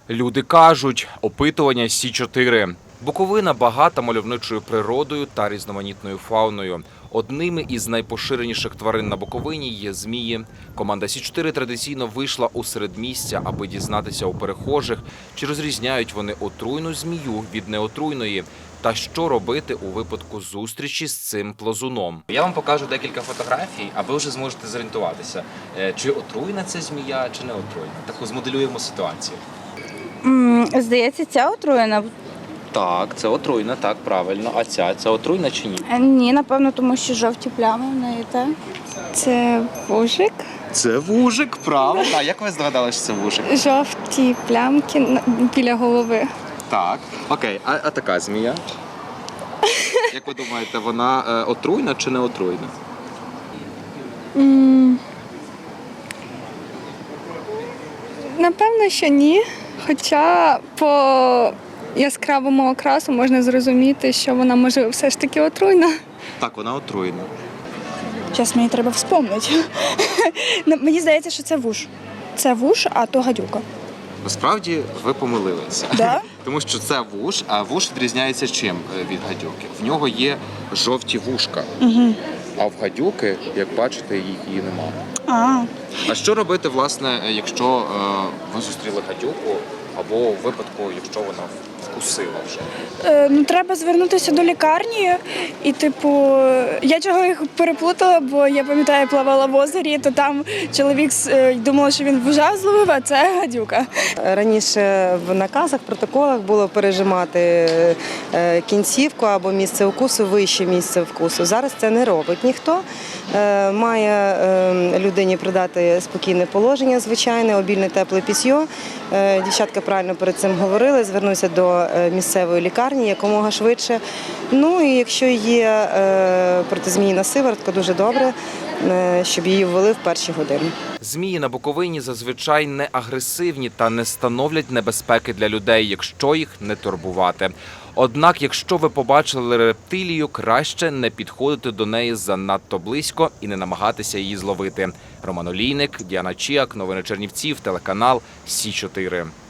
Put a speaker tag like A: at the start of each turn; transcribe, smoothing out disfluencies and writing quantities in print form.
A: Люди кажуть, опитування Сі4. Буковина багата мальовничою природою та різноманітною фауною. Одними із найпоширеніших тварин на Буковині є змії. Команда Сі4 традиційно вийшла у середмістя, аби дізнатися у перехожих, чи розрізняють вони отруйну змію від неотруйної, та що робити у випадку зустрічі з цим плазуном. Я вам покажу декілька фотографій, а ви вже зможете зорієнтуватися, чи отруйна це змія, чи не отруйна. Так змоделюємо ситуацію.
B: Здається, ця отруєна.
A: Так, це отруйна, так, правильно. А це отруйна чи ні?
B: Ні, напевно, тому що жовті плями в неї, так? Це вужик.
A: Це вужик, правильно. А як ви здогадалися, що це вужик?
B: Жовті плямки біля голови.
A: Так. Окей, а така змія? Як ви думаєте, вона отруйна чи не отруйна?
C: Напевно, що ні. Хоча по яскравому окрасу можна зрозуміти, що вона може все ж таки отруйна.
A: Так, вона отруйна.
B: Зараз мені треба вспомнити. Мені здається, що це вуж. Це вуж, а то гадюка.
A: Насправді ви помилилися.
B: Да?
A: Тому що це вуж, а вуж відрізняється чим від гадюки? В нього є жовті вушка. А в гадюки, як бачите, її немає. А що робити, власне, якщо ви зустріли гадюку, або у випадку, якщо вона вкусила вже?
B: Треба звернутися до лікарні і, я чого їх переплутала, бо я пам'ятаю, плавала в озері, то там чоловік думав, що він вужа зловив, а це гадюка.
D: Раніше в наказах, протоколах було пережимати кінцівку або місце укусу, вище місце вкусу. Зараз це не робить ніхто. Має людині придати спокійне положення, звичайне, обільне тепле пісьо. Дівчатка правильно перед цим говорили, звернуся до місцевої лікарні якомога швидше. Ну і якщо є протизмійна сиворотка, дуже добре, щоб її ввели в перші години.
A: Змії на Буковині зазвичай не агресивні та не становлять небезпеки для людей, якщо їх не турбувати. Однак, якщо ви побачили рептилію, краще не підходити до неї занадто близько і не намагатися її зловити. Роман Олійник, Діана Чіак, новини Чернівців, телеканал Сі4.